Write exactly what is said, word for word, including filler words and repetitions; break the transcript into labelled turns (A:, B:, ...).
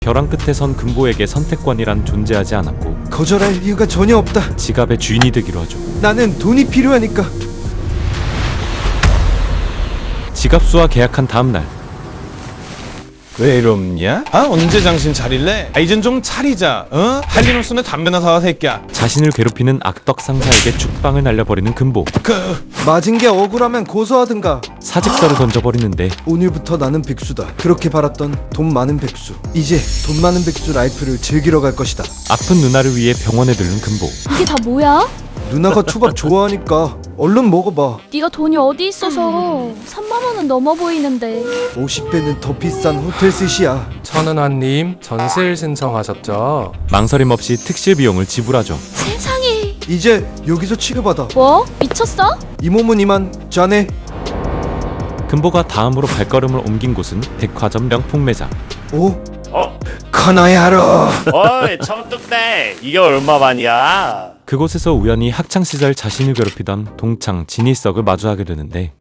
A: 벼랑 끝에 선 금보에게 선택권이란 존재하지 않았고
B: 거절할 이유가 전혀 없다.
A: 지갑의 주인이 되기로 하죠.
B: 나는 돈이 필요하니까.
A: 지갑수와 계약한 다음 날
C: 왜 이러냐? 아 언제 정신 차릴래? 아 이젠 좀 차리자. 어? 할 일 없으면 담배나 사와 새끼야.
A: 자신을 괴롭히는 악덕 상사에게 죽방을 날려버리는 금보.
C: 그
B: 맞은 게 억울하면 고소하든가.
A: 사직서를 던져버리는데
B: 오늘부터 나는 백수다. 그렇게 바랐던 돈 많은 백수. 이제 돈 많은 백수 라이프를 즐기러 갈 것이다.
A: 아픈 누나를 위해 병원에 들른 금보.
D: 이게 다 뭐야?
B: 누나가 초밥 좋아하니까 얼른 먹어봐.
D: 네가 돈이 어디 있어서 삼만 원은 넘어 보이는데.
B: 오십 배는 더 비싼 호텔 스시야.
E: 천은환님 전세일 신청하셨죠?
A: 망설임 없이 특실 비용을 지불하죠.
D: 세상에.
B: 이제 여기서 취급하다.
D: 뭐? 미쳤어?
B: 이 몸은 이만 자네.
A: 금보가 다음으로 발걸음을 옮긴 곳은 백화점 명품 매장.
B: 오?
F: 어?
B: 카나야로.
F: 어이 청뚝대 이게 얼마만이야?
A: 그곳에서 우연히 학창시절 자신을 괴롭히던 동창 진일석을 마주하게 되는데